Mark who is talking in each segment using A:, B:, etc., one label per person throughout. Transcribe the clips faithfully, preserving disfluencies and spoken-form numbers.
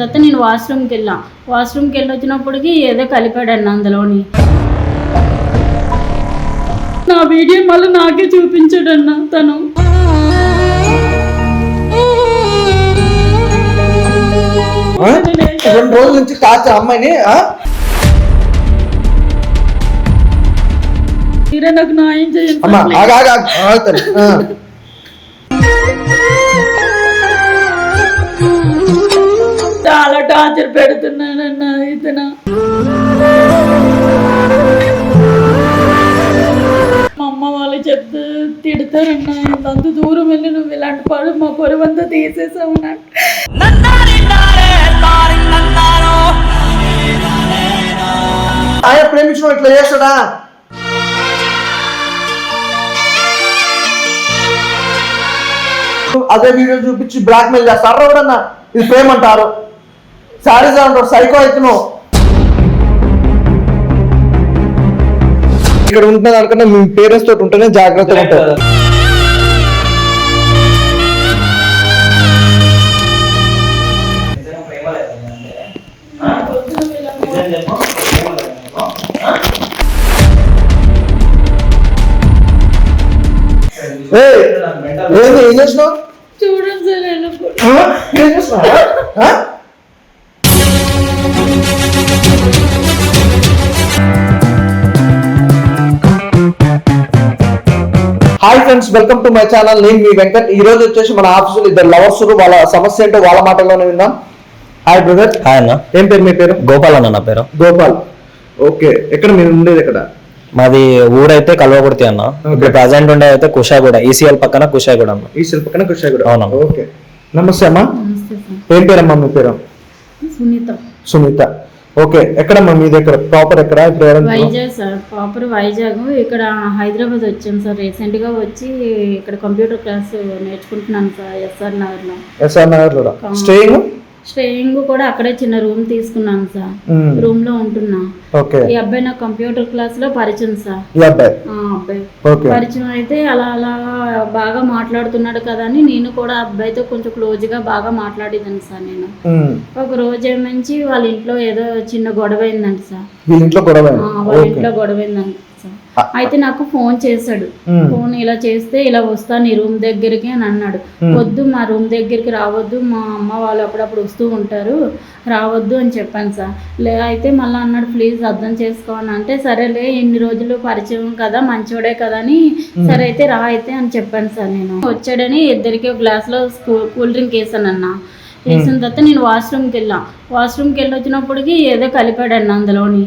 A: తర్వాత నేను వాష్రూమ్కి వెళ్ళా వాష్రూమ్కి వెళ్ళి వచ్చినప్పటికి ఏదో కలిపాడన్న అందులోని నా వీడియో మళ్ళీ నాకే చూపించాడన్న తను.
B: రెండు రోజుల నుంచి కాచ అమ్మాయిని
A: తీరా నాకు న్యాయం చేయండి. చాలా టార్చర్ పెడుతున్నానన్న ఇతను. మా అమ్మ వాళ్ళు చెప్తూ తిడతారన్న, ఇంత దూరం వెళ్ళి నువ్వు ఇలాంటి పడు మా పొరవంతా తీసేసావు.
B: ఆయన ప్రేమించిన ఇట్లా చేస్తాడా? అదే వీడియో చూపించి బ్లాక్ మెయిల్ చేస్తారు ఎవడన్నా. ఇది ప్రేమ అంటారు, శారీస్ అంటారు, సైకో అవుతున్నావు. ఇక్కడ ఉంటున్న దానికన్నా మీ పేరెంట్స్ తోటి ఉంటేనే జాగ్రత్తగా ఉంటారు. ఏం చేసినావు
A: చూడండి సార్.
B: ఏం చేస్తున్నావా? Hi friends, welcome to my channel. నేను మీ వెంకట్. ఈ రోజు వచ్చేసి మన ఆఫీసులో ఇద్దరు లవర్స్, వాళ్ళ సమస్య ఏంటో వాళ్ళ మాటల్లోనే విందాం. Hi brother.
C: హాయ్ అన్న.
B: ఏం పేరు మీ పేరు?
C: గోపాల్ అన్న నా పేరు.
B: గోపాల్. ఓకే, ఎక్కడ మీరు ఉండేది? ఎక్కడ?
C: మాది ఊరైతే కల్వకుర్తి అన్న. ఇప్పుడు ప్రజెంట్ ఉండే అయితే కుషాగూడ, ఈసీఎల్ పక్కన కుషాగూడ అన్న.
B: ఈసీఎల్ పక్కన కుషాగూడ.
C: అవునా?
B: ఓకే. నమస్తే అమ్మా. ఏం పేరమ్మా మీ పేరు?
A: సునీత.
B: సునీత. ఓకే, ఎక్కడమ్మా మీది? ఎక్కడ ప్రాపర్? ఎక్కడ?
A: Vizag sir, proper Vizag. ఇక్కడ హైదరాబాద్ వచ్చాం సార్ రీసెంట్ గా. వచ్చి ఇక్కడ కంప్యూటర్ క్లాస్ నేర్చుకుంటున్నాను సార్ ఎస్ఆర్ నగర్ లో.
B: ఎస్ఆర్ నగర్ లో స్టేయింగ్
A: స్టేయింగ్ కూడా అక్కడే చిన్న రూమ్ తీసుకున్నాను సార్. రూమ్ లో ఉంటున్నా. ఈ అబ్బాయి నాకు కంప్యూటర్ క్లాస్ లో పరిచయం సార్. అబ్బాయి పరిచయం అయితే అలా అలా బాగా మాట్లాడుతున్నాడు కదా అని నేను కూడా అబ్బాయితో కొంచెం క్లోజ్ గా బాగా మాట్లాడేదాన్ని సార్. నేను ఒక రోజు ఏమంచి వాళ్ళ ఇంట్లో ఏదో చిన్న గొడవ అయిందండి సార్. వాళ్ళ ఇంట్లో గొడవ అయిందండి సార్. అయితే నాకు ఫోన్ చేశాడు. ఫోన్ ఇలా చేస్తే ఇలా వస్తా నీ రూమ్ దగ్గరికి అని అన్నాడు. వద్దు, మా రూమ్ దగ్గరికి రావద్దు, మా అమ్మ వాళ్ళు అప్పుడప్పుడు వస్తూ ఉంటారు, రావద్దు అని చెప్పాను సార్. లే అయితే మళ్ళీ అన్నాడు ప్లీజ్ అర్థం చేసుకోని అంటే సరేలే ఇన్ని రోజులు పరిచయం కదా మంచోడే కదా అని సరే అయితే రా అయితే అని చెప్పాను సార్. నేను వచ్చాడని ఇద్దరికి ఒక గ్లాస్లో కూల్ డ్రింక్ వేసాను అన్న. వేసిన తర్వాత నేను వాష్రూమ్కి వెళ్ళా వాష్రూమ్కి వెళ్ళి వచ్చినప్పటికి ఏదో కలిపాడన్న అందులోని.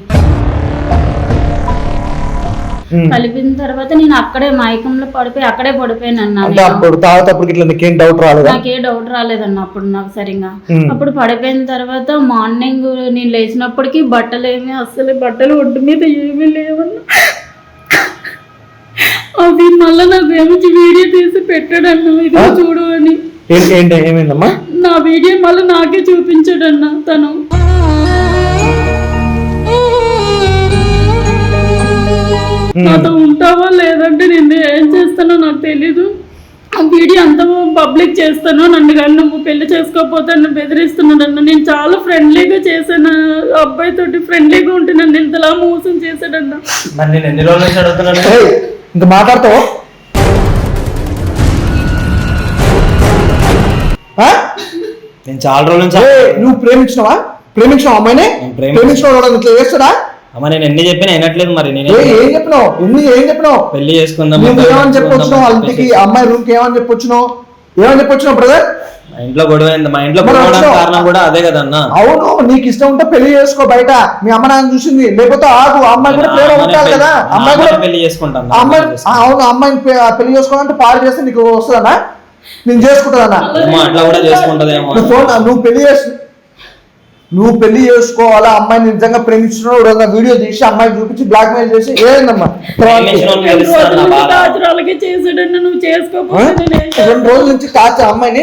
A: కలిపిన తర్వాత నేను అక్కడే మైకంలో పడిపోయి అక్కడే పడిపోయాను అన్న. నాకే డౌట్ రాలేదన్న అప్పుడు నాకు సరిగా. అప్పుడు పడిపోయిన తర్వాత మార్నింగ్ నేను లేచినప్పటికీ బట్టలు ఏమి అసలు బట్టలు ఒడ్డు మీద ఏమీ లేవన్నా. అవి మళ్ళీ నాకు ఏమిచ్చి వీడియో తీసి పెట్టాడన్న, ఇది చూడు అని. నా వీడియో మళ్ళీ నాకే చూపించాడన్న తను. నాతో ఉంటావా లేదంటే నేను ఏం చేస్తానో నాకు తెలీదు. ఆ వీడియో అంతా పబ్లిక్ చేస్తాను, నన్ను కానీ నువ్వు పెళ్లి చేసుకోకపోతే నన్ను బెదిరిస్తున్నాడన్న. నేను చాలా ఫ్రెండ్లీగా చేశాను అబ్బాయి తోటి, ఫ్రెండ్లీగా ఉంటే నన్ను ఇంతలా మోసం చేశాడన్న.
B: ఇంకా మాట్లాడతావు?
C: నేను చాలా రోజుల నుంచి.
B: నువ్వు ప్రేమించినవా? ప్రేమించినావు అమ్మాయిని? ప్రేమించినావు ఇట్లా చేస్తాడా?
C: అమ్మ నేను ఎన్ని చెప్పినా వినట్లేదు. మరి నేను
B: ఏం చెప్పినావు? ఎన్ని ఏం చెప్పినావు?
C: పెళ్లి చేసుకుందాం
B: ఏమని చెప్పొచ్చినావు? వాళ్ళకి అమ్మాయి రూమ్ కి ఏమని చెప్పొచ్చినావు? ఏమని చెప్పొచ్చినావు బ్రదర్?
C: మా ఇంట్లో గొడవ అయింది. మా ఇంట్లో గొడవ కారణం కూడా అదే కదన్నా.
B: అవును, నీకు ఇష్టం ఉంటే పెళ్లి చేసుకో బయట. మీ అమ్మ నాన్న చూసింది, లేకపోతే ఆగు. అమ్మాయి కూడా ప్రేమ ఉంటారు కదా. అమ్మాయి కూడా
C: పెళ్లి చేసుకుంటాను.
B: అమ్మాయి అవును, అమ్మాయిని పెళ్లి చేసుకోవాలంటే పాడు చేస్తే నీకు వస్తుందన్నా? నేను చేసుకుంటానన్నా?
C: అట్లా కూడా చేసుకుంటదేమో.
B: నువ్వు పెళ్లి చేసి నువ్వు పెళ్లి చేసుకోవాలా? అమ్మాయిని నిజంగా ప్రేమించిన వీడియో తీసి అమ్మాయి చూపించి బ్లాక్ మెయిల్ చేసి ఏదమ్మా రెండు రోజుల నుంచి కాచ అమ్మాయిని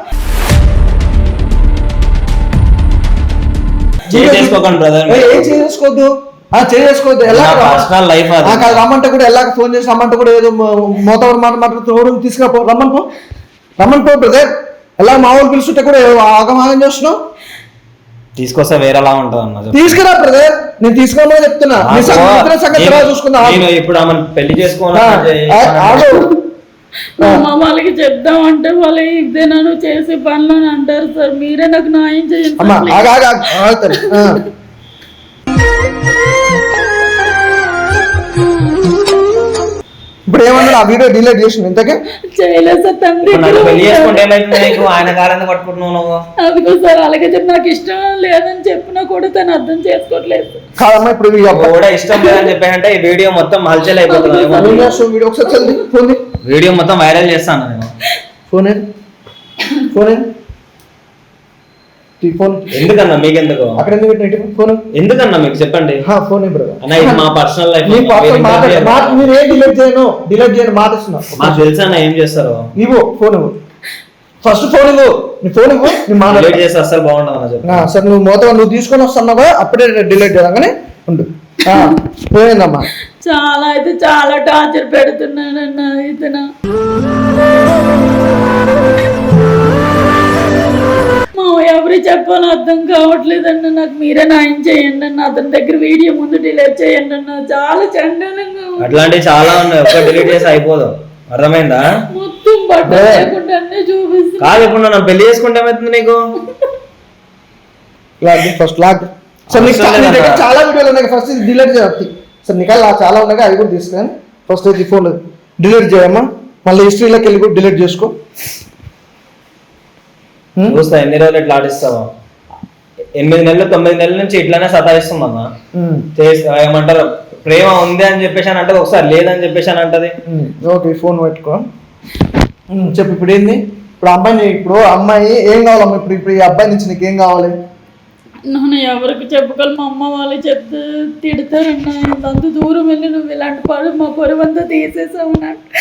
B: ఏం చేసుకోవద్దు చేసుకోవద్దు. ఎలా రమ్మంటే కూడా ఎలా ఫోన్ చేసి రమ్మంటే కూడా ఏదో మోతవర మాట మాట్లాడుతూ తీసుకురా రమ్మని పో రమ్మని పో బ్రదర్. ఎలా మా వాళ్ళు పిలుస్తుంటే కూడా ఆగమాగం చేస్తున్నావు?
C: తీసుకొస్తే వేరేలా ఉంటది అన్న.
B: తీసుకురా బ్రదర్, నేను తీసుకోమని చెప్తున్నా. చూసుకుందా
C: ఇప్పుడు ఆమె పెళ్లి చేసుకోవాలి
A: వాళ్ళకి చెప్దామంటే వాళ్ళు ఇదే నన్ను చేసే పనులు అని అంటారు సార్. మీరే నాకు న్యాయం చేయండి.
B: ఇప్పుడు ఏమన్నా ఆ వీడియో డిలీట్ చేసిన ఇంతకే
A: చేయలేదు సార్. తండ్రి
C: ఆయన కారణం పట్టుకుంటున్నావు.
A: అదిగో సార్ అలాగే చెప్పి నాకు ఇష్టం లేదని చెప్పినా కూడా తను అర్థం చేసుకోవట్లేదు.
B: కాదమ్మా ఇప్పుడు
C: కూడా ఇష్టం లేదని చెప్పానంటే ఈ వీడియో మొత్తం హల్చల్ అయిపోతుంది. వీడియో మొత్తం వైరల్ చేస్తాను నేను.
B: ఫోన్ ఫోన్ ఫోన్
C: ఎందుకన్నా మీకు ఎందుకు
B: అక్కడ ఫోన్
C: ఎందుకన్నా మీకు చెప్పండి.
B: ఫోన్
C: అన్న ఇది మా పర్సనల్ లైఫ్.
B: మీరు ఏం డిలీట్ చేయను డిలీట్ చేయను మాట ఇస్తున్నా.
C: మాకు తెలుసా అన్న ఏం చేస్తారు.
B: ఇవ్వు ఫోన్ ఇవ్వు, ఫస్ట్ ఫోన్ ఇవ్వు. నీ ఫోన్ ఇవ్వు, నీ మాట
C: డిలీట్ చేస్తే అసలు బాగుండదు అన్న చెప్పి.
B: సార్ నువ్వు మొత్తం నువ్వు తీసుకొని వస్తున్నావు అప్పుడే డిలీట్ చేయగానే ఉండు. పోయిందమ్మా.
A: చాలా అయితే చాలా టార్చర్ పెడుతున్నానన్న ఇతను. మా ఎవరు చెప్పాలో అర్థం కావట్లేదన్న. నాకు మీరే న్యాయం చేయండి అన్న. అతని దగ్గర వీడియో ముందు డిలీట్ చేయండి అన్న. చాలా చండాలంగా
C: అట్లాంటివి చాలా ఉన్నాయి. ఒక్క డిలీట్ చేసి అయిపోదు. అర్థమైందా?
A: మొత్తం బట్టలు లేకుండా అన్నీ చూపిస్తుంది.
C: కాదు ఇప్పుడు నన్ను పెళ్లి చేసుకుంటే ఏమవుతుంది నీకు?
B: ఫస్ట్ లాగ్ చాలా వీడియోలు ఉన్నాయి. ఫస్ట్ ఇది డిలీట్ చేయాలి సార్. నీకు చాలా ఉన్నాయి అవి కూడా తీసుకొని ఫస్ట్ ఇది ఫోన్ డిలీట్ చేయమ్మా. మళ్ళీ హిస్టరీలోకి వెళ్ళి కూడా డిలీట్ చేసుకో.
C: చూస్తా ఎన్ని రోజులు ఇట్లా ఆడిస్తావా? ఎనిమిది నెలలు తొమ్మిది నెలల నుంచి ఇట్లానే సతాయిస్తుందన్నా. ఏమంటారు ప్రేమ ఉంది అని చెప్పేసి అని అంటే ఒకసారి లేదని చెప్పేసి అని అంటది.
B: ఓకే ఫోన్ పెట్టుకో చెప్పు. ఇప్పుడు ఏంది ఇప్పుడు అమ్మాయిని ఇప్పుడు అమ్మాయి ఏం కావాలమ్మా? ఇప్పుడు ఇప్పుడు ఈ అబ్బాయి నుంచి నీకు ఏం కావాలి?
A: నన్ను ఎవరికి చెప్పగల మా అమ్మ వాళ్ళు చెప్తే తిడతారన్నా. అంత దూరం వెళ్ళి నువ్వు ఇలాంటి పడు మా పొరవంతా తీసేసావు.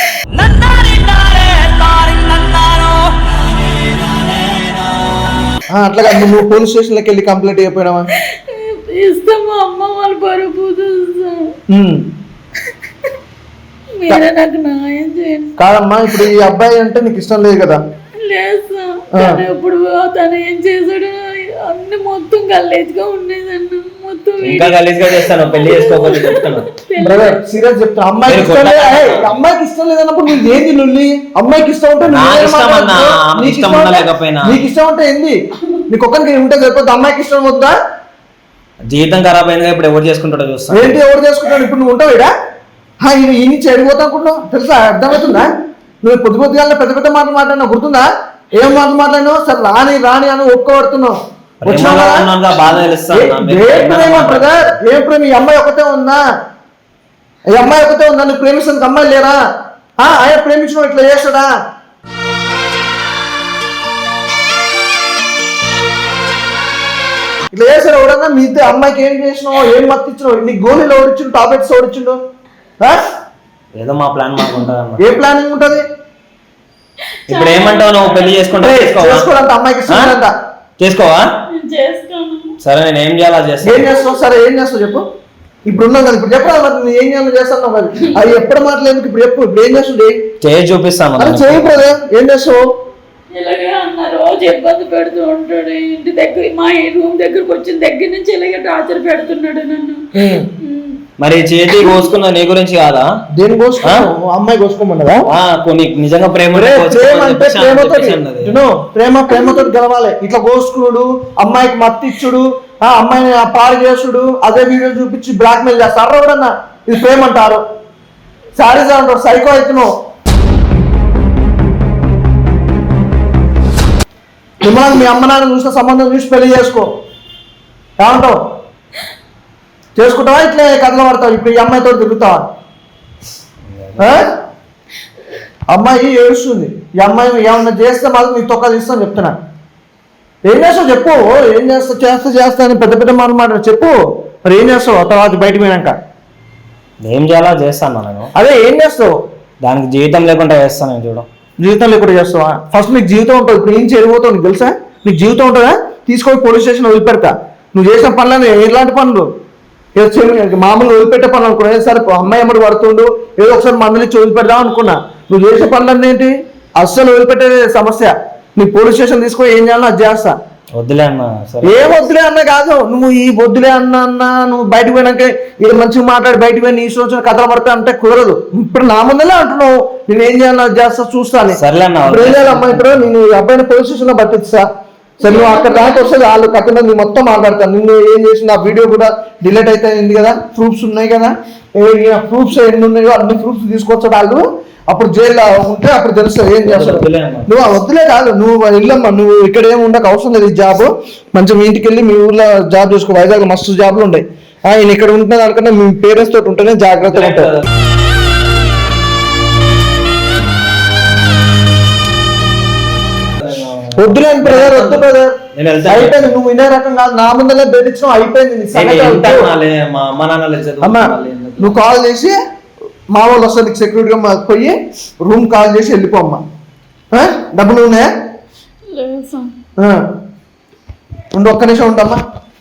B: అట్లా నువ్వు పోలీస్ స్టేషన్లోకి వెళ్ళి కంప్లైంట్ అయిపోయినావా?
A: ఇస్తాం మా అమ్మ వాళ్ళు పరుపు. మీరే నాకు న్యాయం చేయండి.
B: కాదమ్మా ఇప్పుడు ఈ అబ్బాయి అంటే నీకు ఇష్టం లేదు కదా?
A: లేదు సార్. ఇప్పుడు తను ఏం చేశాడు అన్ని మొత్తం గల్లేజ్గా ఉండేదన్న. మొత్తం
C: ఇంకా గలీజ్గా చేస్తాను. పెళ్లి చేసుకోకపోతే చెప్తాను.
B: బ్రదర్ సీరియస్ చెప్తా. అమ్మాయికి ఇష్టం లేదు. అమ్మాయికి ఇష్టం లేదన్నప్పుడు నువ్వు ఏంది నుల్లి? అమ్మాయికి ఇష్టం ఉంటే నీకు ఇష్టం ఉంటే ఏంది? నీకు ఒక్కరికి ఉంటే సరిపోతుంది. అమ్మాయికి ఇష్టం వద్దా?
C: జీవితం ఖరాబ్ అయిందిగా ఇప్పుడు ఎవరు చేసుకుంటాడో చూస్తా.
B: ఏంటి ఎవరు చేసుకుంటాడు? ఇప్పుడు నువ్వు ఉంటావు ఇడా ఈ నుంచి చెడిపోతా అనుకుంటున్నావు తెలుసా? అర్థమవుతుందా? నువ్వు పొద్దు పొద్దుగా పెద్ద పెద్ద మాటలు మాట్లాడినావు గుర్తుందా? ఏం మాటలు మాట్లాడినావు? సరే రాని రాని అని ఒప్పుకోబడుతున్నావు. ఏ ప్రేమ ఈ అమ్మాయి ఒకటే ఉందా? ఈ అమ్మాయి ఒకటే ఉందా? నువ్వు ప్రేమిస్తానికి అమ్మాయి లేరా? ఆయన ప్రేమించిన ఇట్లా చేస్తాడా? ఇట్లా చేశాడు ఎవడన్నా? మీ ఇద్దరు అమ్మాయికి ఏం చేసినావు? ఏం మత్తు ఇచ్చినావు? నీకు గోళీలు ఓడిచ్చిండు, టాబ్లెట్స్ ఓడిచ్చిండు.
C: ఏదో మా ప్లాన్ మాకు ఉంటుంది.
B: ఏ ప్లానింగ్ ఉంటుంది?
C: ఇప్పుడు ఏమంటావు? నువ్వు పెళ్లి చేసుకుంటా
B: చేసుకోవాలంట. అమ్మాయికి ఇష్టం
C: చేసుకోవా? సరే నేను ఏం చేయాలా చేస్తా.
B: ఏం చేస్తావు? సరే ఏం చేస్తావు చెప్పు. ఇప్పుడు ఉన్నావు కదా, ఇప్పుడు చెప్పరా మరి నువ్వు ఏం చేయాలో చేస్తాను కదా. అది ఎప్పుడు మాట్లాడేందుకు ఇప్పుడు చెప్పు. ఇప్పుడు ఏం చేస్తుండే
C: చేసి చూపిస్తాను.
B: అది చేయకపోతే ఏం చేస్తావు?
A: ఇలాగే అన్న రోజు ఇబ్బంది పెడుతూ ఉంటాడు. ఇంటి దగ్గర మా రూమ్ దగ్గరకు వచ్చిన దగ్గర నుంచి ఇలాగే టార్చర్ పెడుతున్నాడు నన్ను.
C: మరి చేతి కోసుకున్న నీ గురించి కాదా?
B: దేని కోసుకో? అమ్మాయి కోసుకోమన్నదా?
C: కొన్ని నిజంగా ప్రేమ
B: ప్రేమ ప్రేమతో గెలవాలి. ఇట్లా కోసుకుడు, అమ్మాయికి మత్తి ఇచ్చుడు, అమ్మాయిని పాడు చేసుడు, అదే వీడియో చూపించి బ్లాక్ మెయిల్ చేస్తారు. ఎవడన్నా ఇది ప్రేమ అంటారు? సారీస్ అంటారు. సైకో అవుతున్నావు. మిమ్మల్ని మీ అమ్మ నాన్న చూసిన సంబంధం చూసి పెళ్లి చేసుకో. ఏమంటావు? చేసుకుంటావా? ఇట్లే కథలు పడతావు. ఇప్పుడు ఈ అమ్మాయితో తిరుగుతావా? అమ్మాయి ఏడుస్తుంది. ఈ అమ్మాయి ఏమన్నా చేస్తే మాత్రం నీ తొక్క తీస్తాను చెప్తున్నా. ఏం చేస్తావు చెప్పు. ఏం చేస్తావు? చేస్తా చేస్తా అని పెద్ద పెద్ద మాట మాట చెప్పు. మరి ఏం చేస్తావు తర్వాత బయటకు పోయినాక?
C: ఏం చేయాలో చేస్తాను నేను.
B: అదే ఏం చేస్తావు?
C: దానికి జీవితం లేకుండా చేస్తాను నేను. చూడు,
B: జీవితం లేకుండా చేస్తావా? ఫస్ట్ నీకు జీవితం ఉంటుంది. ఇప్పుడు ఏం చెడిపోతావు నీకు తెలుసా? నీకు జీవితం ఉంటుందా? తీసుకొని పోలీస్ స్టేషన్ వదిలిపెడతా. నువ్వు చేసిన పనులని ఎలాంటి పనులు? ఏదో మామూలుగా వదిలిపెట్టే పనులు అనుకున్నా. సరే అమ్మాయి అమ్మడు పడుతుండు, ఏదో ఒకసారి మందులు ఇచ్చి వదిలిపెడదాం అనుకున్నా. నువ్వు చేసే పనులన్నీ ఏంటి? అస్సలు వదిలిపెట్టే సమస్య. నీ పోలీస్ స్టేషన్ తీసుకొని ఏం చేయాలో అది చేస్తా.
C: వద్దులే అన్న సరే.
B: ఏ వద్దులే అన్న కాదు, నువ్వు ఈ వద్దులే అన్న అన్న నువ్వు బయటకు పోయినాక ఇది మంచిగా మాట్లాడి బయటకు పోయి నీ ఇష్టం వచ్చిన కథలు పడతా అంటే కుదరదు. ఇప్పుడు నా ముందరే అంటున్నావు, నేను ఏం చేయాలో చేస్తా చూస్తాను.
C: సర్లే అన్న
B: ఇప్పుడు ఏం చేయాలి అమ్మా, ఇప్పుడు నేను ఈ అబ్బాయిని పోలీస్ స్టేషన్ లో పట్టిస్తా. సరే నువ్వు అక్కడ దాకా వస్తే వాళ్ళు కథ నీ మొత్తం మాట్లాడతాను. నిన్ను ఏం చేసిన ఆ వీడియో కూడా డిలీట్ అయితే అయింది కదా, ప్రూఫ్స్ ఉన్నాయి కదా, ప్రూఫ్స్ ఎన్ని ఉన్నాయో అన్ని ప్రూఫ్స్ తీసుకొచ్చా వాళ్ళు. అప్పుడు జైల్లో ఉంటే అప్పుడు తెలుస్తుంది ఏం చేస్తావు. నువ్వు వద్దులే కాదు, నువ్వు వెళ్ళమ్మా, నువ్వు ఇక్కడ ఏమి ఉండక అవసరం లేదు. ఈ జాబ్ మంచిగా మీ ఇంటికి వెళ్ళి మీ ఊర్లో జాబ్ చూసుకో. వైజాగ్ మస్తు జాబ్లు ఉంటాయి. ఆయన ఇక్కడ ఉంటున్న దానికన్నా మీ పేరెంట్స్ తోటి ఉంటేనే జాగ్రత్తగా ఉంటారు. వద్దులే అని బ్రదర్, వద్దు బ్రదర్, అయిపోయింది. నువ్వు వినే రకం కాదు, నా ముందరే బెదిరించడం అయిపోయింది. అమ్మా నువ్వు కాల్ చేసి మా వాళ్ళు వస్తారు నీకు సెక్యూరిటీగా పోయి రూమ్ కాల్ చేసి వెళ్ళిపోమ్మా. డబ్బులు ఉన్నాయా? ఉండు ఒక్క నిమిషం ఉండమ్మా.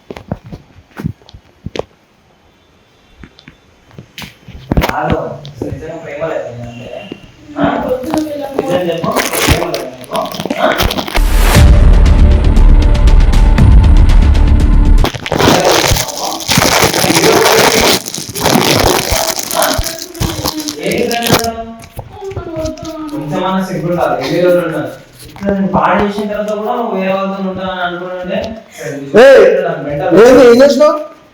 B: ఏం చేసినావు?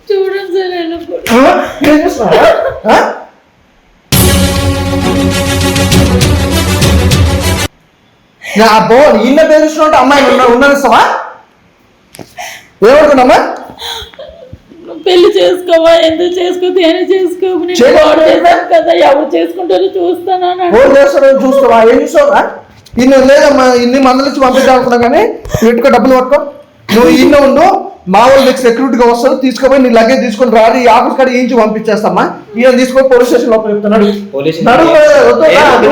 B: బో ఈయన పేరుస్తున్నా అమ్మాయి ఉండనిస్తావా? ఏమనుకున్నామా?
A: పెళ్లి చేసుకోవా, ఎందుకు చేసుకో, దేని చేసుకో కదా, ఎవరు చేసుకుంటారో చూస్తాను.
B: చూస్తావా? ఏం చూస్తావా? ఇన్ని లేదమ్మా, ఇన్ని మందులు ఇచ్చి పంపిద్దాం అనుకున్నా కానీ పెట్టుకో, డబ్బులు పట్టుకో. నువ్వు ఇన్న ఉండు, మా వాళ్ళు నీకు సెక్యూరిటీగా వస్తారు, తీసుకుపోయి నీ లగేజ్ తీసుకొని రాడు, ఈ ఆఫీస్ కాడ ఏంచి పంపించేస్తామా. ఈయన తీసుకొని పోలీస్ స్టేషన్ లోపల చెప్తున్నాడు.